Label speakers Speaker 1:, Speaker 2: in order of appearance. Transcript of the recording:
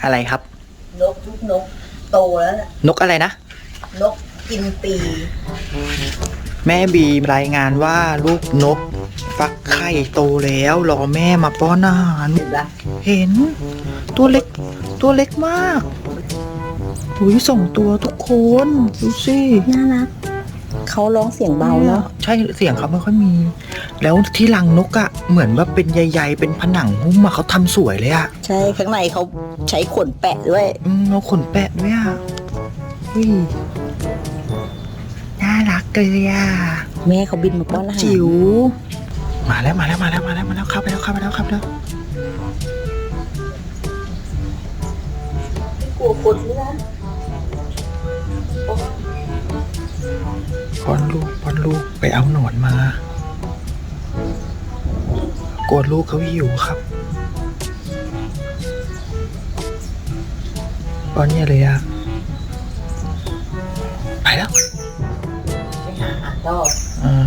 Speaker 1: อะไรครับ
Speaker 2: นกทุกนกโตแล้วนะ
Speaker 1: นกอะไรนะ
Speaker 2: นกกินปี
Speaker 1: แม่บีรายงานว่าลูกนกฟักไข่โตแล้วรอแม่มาป้อนอาหาร
Speaker 2: เห็นปะ
Speaker 1: เห็นตัวเล็กตัวเล็กมากอุ้ยส่งตัวทุกคนดูสิ
Speaker 2: น่ารักเขาร้องเสียงเบาเนาะ
Speaker 1: ใช่เสียงเขาไม่ค่อยมี แล้วที่รังนกอะเหมือนว่าเป็นใยๆเป็นผนังหุ้มอะเขาทำสวยเลยอะ
Speaker 2: ใช่ข้างในเขาใช้ขนแปะด้วย
Speaker 1: เอาขนแปะด้วยอะอุ้ยน่ารักเลยอะ
Speaker 2: แม่เขาบินมาป้อนอาหาร
Speaker 1: จิ๋วมาแล้วเข้าไปแล้วเข้าไปแล้วครับแล้ว
Speaker 2: กลัวคนนี่นะ
Speaker 1: ป้อนลูกไปเอาหนอนมากลัวลูกเขาหิวครับป้อนเนี่ยเลยอะไปแล้ว
Speaker 2: ไปหาอาหารล่อ
Speaker 1: อ่า